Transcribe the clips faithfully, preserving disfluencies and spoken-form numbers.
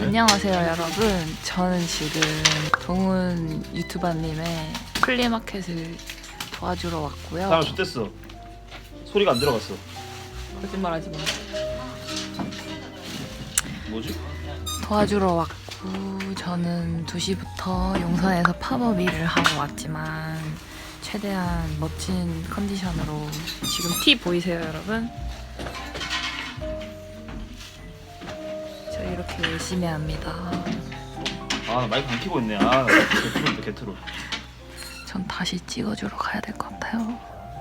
안녕하세요 여러분. 저는 지금 동훈 유튜버님의 플리마켓을 도와주러 왔고요. 사람 좋댔어. 소리가 안 들어갔어. 거짓말하지 마. 뭐지? 도와주러 왔고 저는 두 시부터 용산에서 팝업 일을 하고 왔지만 최대한 멋진 컨디션으로 지금 티 보이세요 여러분? 저 이렇게 열심히 합니다. 아, 나 마이크 안 켜고 있네. 아, 개트롤인데 개트롤. 전 다시 찍어주러 가야 될 것 같아요.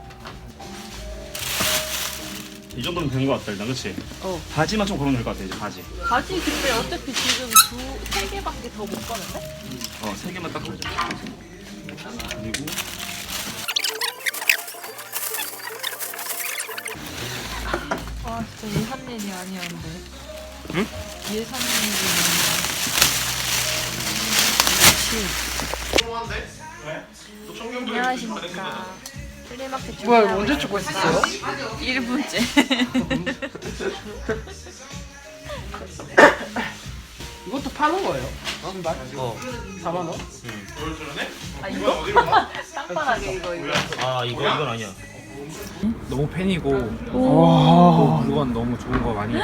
이 정도면 되는 것 같다 일단, 그치? 어. 바지만 좀 걸으면 될 것 같아, 이제 바지. 바지 근데 어차피 지금 두, 세 개밖에 더 못 가는데? 어, 세 개만 딱 걸자. 그리고 아 진짜 예산 일이 아니었는데. 응? 예산 일이 아니야. 안녕하십니까. 플리마켓 뭐야, 준비하고 언제 찍고 있었어요? 일 분째. 이것도 파는 거예요? 신발? 어. 사만 원? 아 이거? 땅바닥에 이거 이거. 아, 이거 이건 아니야. 너무 팬이고 또 물건 너무 좋은 거 많이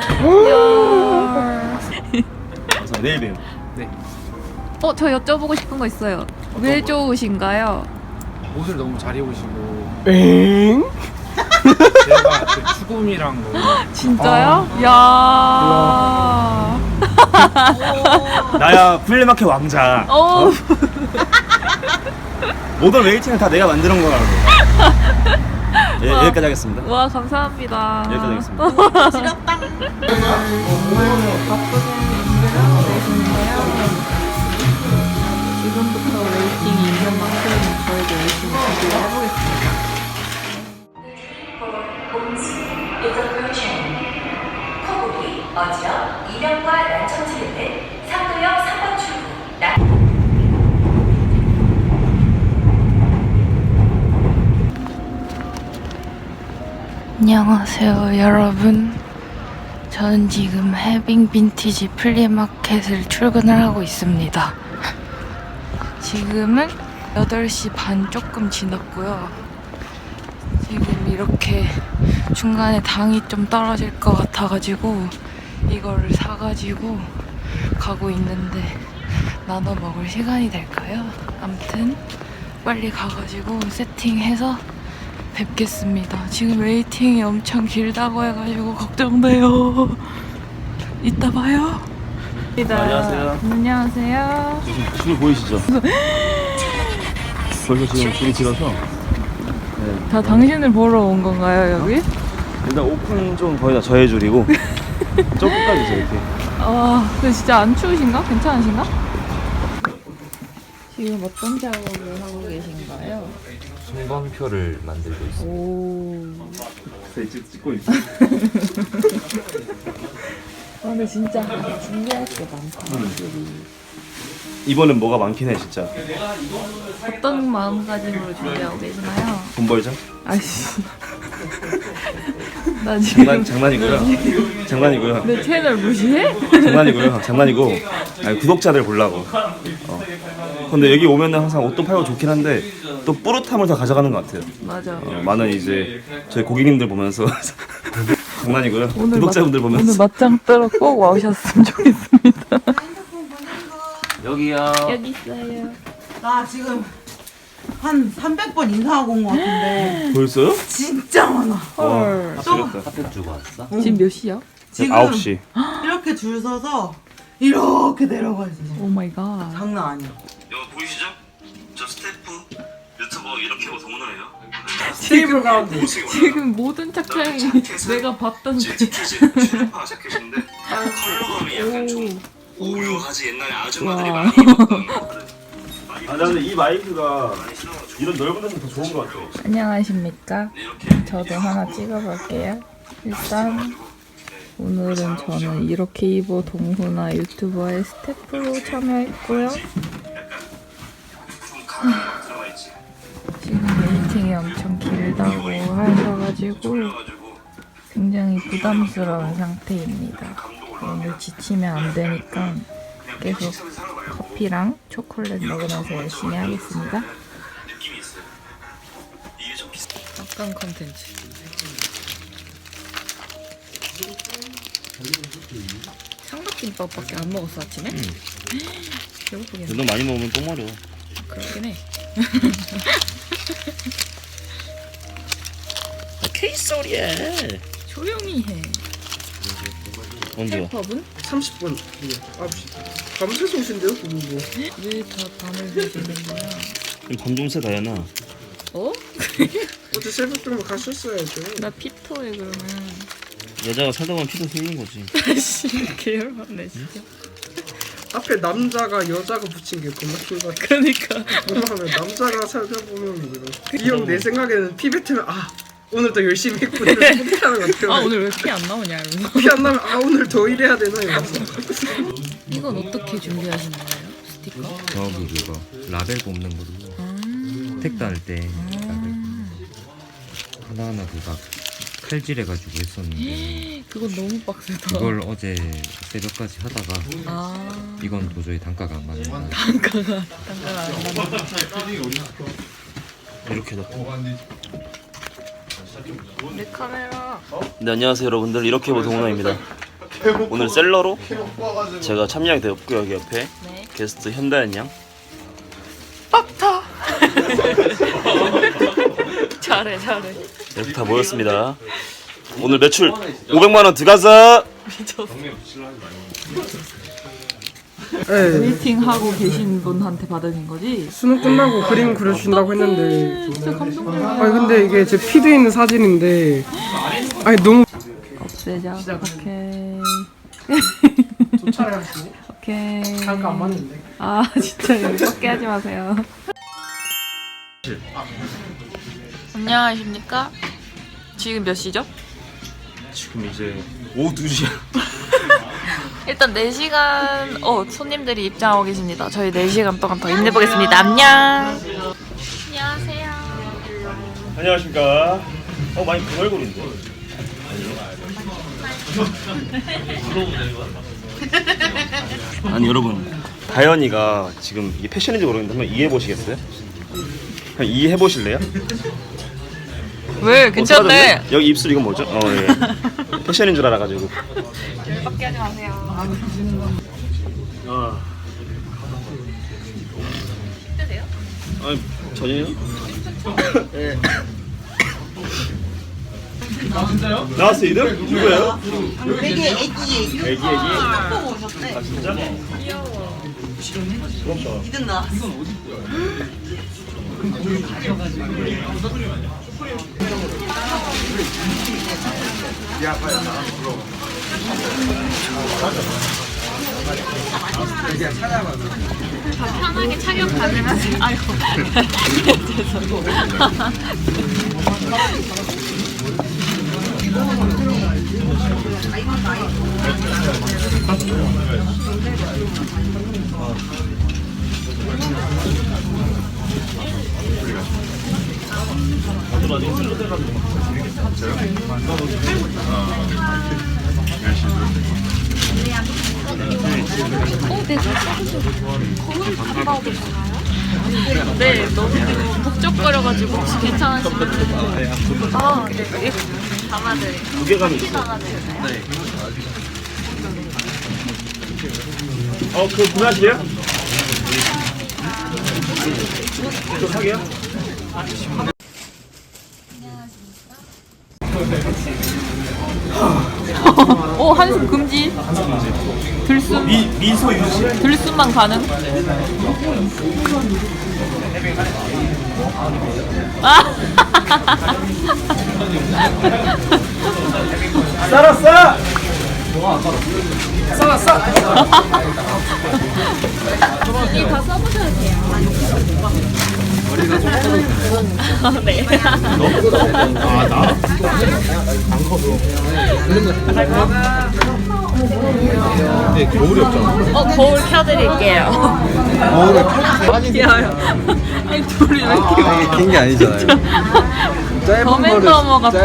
그래서 내일 봬요. 네. 어, 저 여쭤보고 싶은 거 있어요. 왜 좋으신가요? 옷을 너무 잘 입으시고 엥? 제가 그 추구미랑 너무 진짜요? 야. 나야 플리마켓 왕자. 어. 모든 웨이팅은 다 내가 만드는 거라고. 예, 여기까지 하겠습니다. 와, 감사합니다. 여기까지 하겠습니다. 바쁘게 준비를 하고 계시는데요. 지금부터 웨이팅이 있는 만큼 저희도 열심히 준비를 해보겠습니다. 커브리, 어지럽, 이명과 난청지를 등 상도역 삼 번 출구 난... 안녕하세요 여러분. 저는 지금 해빙 빈티지 플리마켓을 출근을 하고 있습니다. 지금은 여덟 시 반 조금 지났고요. 지금 이렇게 중간에 당이 좀 떨어질 것 같아가지고 이거를 사가지고 가고 있는데 나눠 먹을 시간이 될까요? 암튼 빨리 가가지고 세팅해서 뵙겠습니다. 지금 웨이팅이 엄청 길다고 해가지고 걱정돼요. 이따 봐요. 안녕하세요. 안녕하세요. 지금 줄 보이시죠? 벌써 지금 줄이 길어서 다 당신을 보러 온 건가요 여기? 일단 오픈 좀 거의 다 저의 줄이고 저 끝까지 있어요 이렇게. 아 근데 진짜 안 추우신가? 괜찮으신가? 지금 어떤 작업을 하고 계신가요? 송광표를 만들고 있습니다. 오. 찍, 찍고 있어. 아, 근데 진짜 준비할 게 많다. 확실히. 이번엔 뭐가 많긴 해 진짜. 어떤 마음가짐으로 준비하고 계시나요? 돈 벌자? 아이씨. 나 지금 장난, 장난이고요. 장난이고요. 내 채널 무시해? 장난이고요. 장난이고. 아니, 구독자들 보려고. 어. 근데 여기 오면은 항상 옷도 팔고 좋긴 한데 또 뿌듯함을 더 가져가는 것 같아요. 맞아. 어, 많은 이제 저희 고객님들 보면서 장난이고요. 오늘 구독자분들 맞, 보면서 오늘 맞짱 뜨러 꼭 와주셨으면 좋겠습니다. 여기요. 여기 있어요. 나 지금 한 삼백 번 인사하고 온 것 같은데 벌써요? 진짜 많아. 헐. 아, 지렸다. 핫팩 주고 왔어? 지금 몇 시야? 지금 아홉 시. 이렇게 줄 서서 이렇게 내려가야지. 오 마이 갓. 장난 아니야. 여기 보이시죠? 저 스태프 유튜버 이렇게 하고 동문화예요. 지금 지금 모든 착장이 내가 봤던 그 출파 자켓인데 컬러감이 약간 좀 오묘하지. 옛날에 아줌마들이 많이 입었던. 아 나는 이 마이크가 이런 넓은 데는 더 좋은 것 같아. 안녕하십니까? 저도 하나 찍어볼게요. 일단 오늘은 저는 이렇게 입어 동훈아 유튜버의 스태프로 참여했고요. 지금 웨이팅이 엄청 길다고 하셔가지고 굉장히 부담스러운 상태입니다. 오늘 지치면 안 되니까 계속 커피랑 초콜릿 먹으면서 열심히 하겠습니다. 느낌이 있어요. 이게 좀 비싸. 약간 컨텐츠. 삼각김밥밖에 안 먹었어 아침에? 배고프겠네. 너 많이 먹으면 똥 마려. 그렇긴 해. 케이소리야. 조용히 해. 언제야? 힙합은? 삼십 분. 아홉 시. 밤새서 오신대요, 그분 뭐. 왜 다 밤을 새는 거야? 밤좀새 다야나. 어? 어제 새벽 정도 가셨어야죠. 나 피터에 그러면. 여자가 살다 보면 피도 흘린 거지. 씨 계열받네 진짜. 앞에 남자가 여자가 붙인 게 겁나 킹받아. 그러니까. 뭐라 하면 남자가 살다 보면 이거. 이 형 내 생각에는 피 뱉으면 아 오늘 더 열심히 했구나 이렇게 하는 것 같아요. 아 오늘 왜 피 안 나오냐 이러면서. 피 안 나면 아 오늘 더 일해야 되나 이러면서. 이건 어떻게 준비하시는 거예요? 스티커? 저기 그거 라벨 뽑는 거로 음. 택 다닐 때 라벨 음. 하나하나 그가 칼질해가지고 했었는데 그건 너무 빡세다. 그걸 어제 새벽까지 하다가 아 이건 도저히 단가가 안 맞는 거야. 단가가 단가가 안 나는. 이렇게 넣고. 내 카메라. 네, 안녕하세요 여러분들. 이렇게 보동훈아입니다 오늘 셀러로 제가 참여하게 되었고요. 여기 옆에 네. 게스트 현다연 양. 빡타. 잘해 잘해. 이렇게 다 모였습니다. 오늘 매출 오백만 원 들어가서. 네. 웨이팅 하고 계신 분한테 받으신 거지? 수능 끝나고 그림 그려주신다고 했는데. 진짜 감동적이야. 아 근데 이게 제 피드에 있는 사진인데. 아니 너무. 없애자. 오케이. 쫓아야지. 오케이. 잠깐 안 맞는데. 아 진짜 썩게 하지 마세요. 안녕하십니까? 지금 몇 시죠? 지금 이제 오후 두 시야. 일단 네 시간 어 손님들이 입장하고 계십니다. 저희 네 시간 동안 더 힘내보겠습니다. 안녕. 안녕하세요. 안녕하십니까. 어 많이 그 얼굴인데. 아니 여러분, 다현이가 지금 이게 패션인지 모르겠는데 한번 이해해 보시겠어요? 그냥 이해해 보실래요? 왜 괜찮네. 어, 여기 입술 이건 뭐죠? 어 예. 패션인 줄 알아가지고. 썩게 하지 마세요. 아. 힘드세요? 아니 전혀요? 예. 아 진짜요? 나왔어 이름? 누구예요? 되게 애기 애기 애기. 보고 오셨대. 아 진짜? 귀여워. 부럽다. 이등 나왔어. 편하게 착용 가능하세요. 아이고. 죄송. 어, 네, 거울 담가도 되나요? 네, 너무 북적거려가지고 혹시 괜찮으시면 아, 네, 이거 담아드릴게요. 무게감이 있어. 담아드릴까요? 네. 어, 그거 구매하시게요? 저 사게요? 오, 한숨 금지. 들숨. 미, 미소 유지. 들숨만 가능. 아. 썰었어! 이 다 써보셔도 돼요. 네. 아, 나? 네, 겨울이 없잖아. 어, 거울 켜드릴게요. 겨울에 펴? 귀여워요. 아니, 둘이 왜 이렇게 이게 긴 게 아니잖아요. 더맨더머 같아.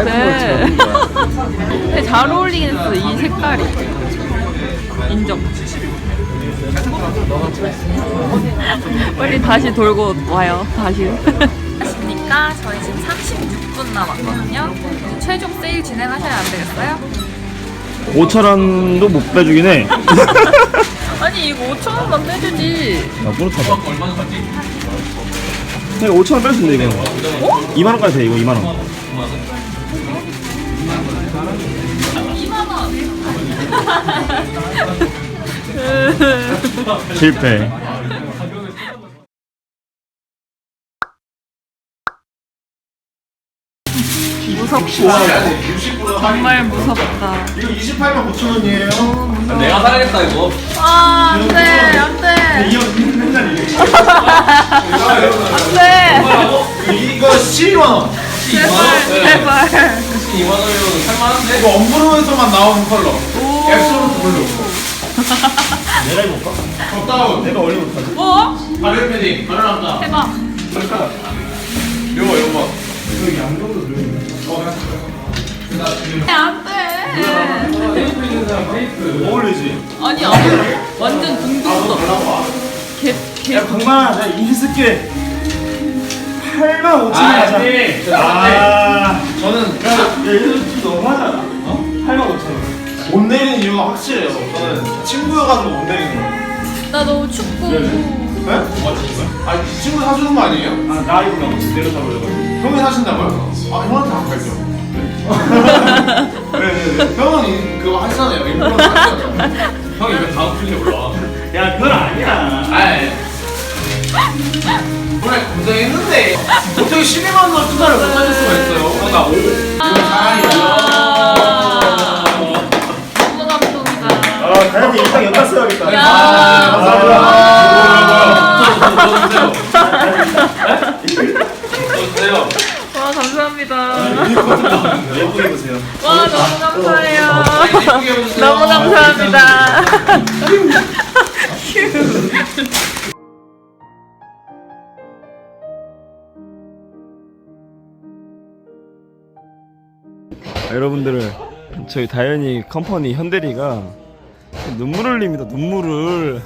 근데 잘 어울리긴 했어, 이 색깔이. 인정. 빨리 다시 돌고 와요. 다시. 안녕하십니까. 저희 지금 삼십육 분 남았거든요. 최종 세일 진행하셔야 안 되겠어요? 오천 원도 못 빼주긴 해. 아니 이거 오천 원만 빼주지. 아, 뿌듯하다. 내가 오천 원 뺄 수 있는데, 이거. 어? 이만 원까지 돼, 이거 이만 원. 이만 원. 실패. 무섭다. 정말 무섭다. 이거 이십팔만 오천 원이에요. 내가 사야겠다 이거. 아, 안 돼, 안 돼. 이형 맨날 이래. 안 돼. 이거 십이만 원. 제발, 제발. 이만 원이면 살만한데? 이거 엄브로에서만 나오는 컬러. 앱소르트 블루. 내가 입을까? 덕다운. 내가 올리고 가지. 뭐? 바늘 패딩. 바늘 한다. 해봐. 요거 요거. 안 돼. 어울리지? 아니, 아니. 완전 둥둥 떠. 개, 개. 야, 강만아, 내가 인시 쓸게. 팔만 오천 원 하자. 아, 저는 야, 이거 좀 너무하잖아. 어? 팔만 오천 원. 못 내리는 이유가 확실해요. 저는 친구여가지고 못 내리는 거예요. 나 너무 춥고. 네? 아니 친구 사주는 거 아니에요? 아, 나 입으려고 내려 잡으려고. 형이 사신다고요? 아 형한테 안 팔죠. 네네네. 형은 이- 그거 하시잖아요. 인플루언서 하시잖아요. 형이 왜 다음 필에 올라와? 야, 그건 아니야. 아이. 그래 고생했는데 어떻게 십이만 원 투자를 못 하실 수가 있어요? 그러니까 오. 아, 너무 감동이다. 아, 다현이 일단 연락 써야겠다. 야. 와, 감사합니다. 예쁘게 입으세요. 와, 너무 감사해요. 너무 감사합니다. 여러분들을 저희 다현이 컴퍼니 현대리가 눈물을 흘립니다. 눈물을.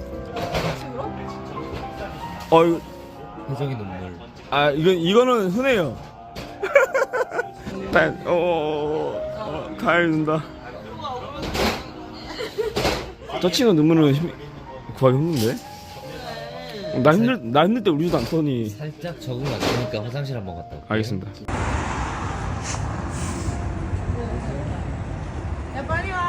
어 이거 회적이 눈물. 아 이건 이거는 흔해요. 다 어, 어, 다현이 눈다. 저 친구 눈물은 힘, 구하기 힘든데? 나 힘들 나 힘들 때 울지도 않더니. 살짝 적응 안 되니까 화장실 한번 갔다 올게요. 알겠습니다. 야 빨리 와.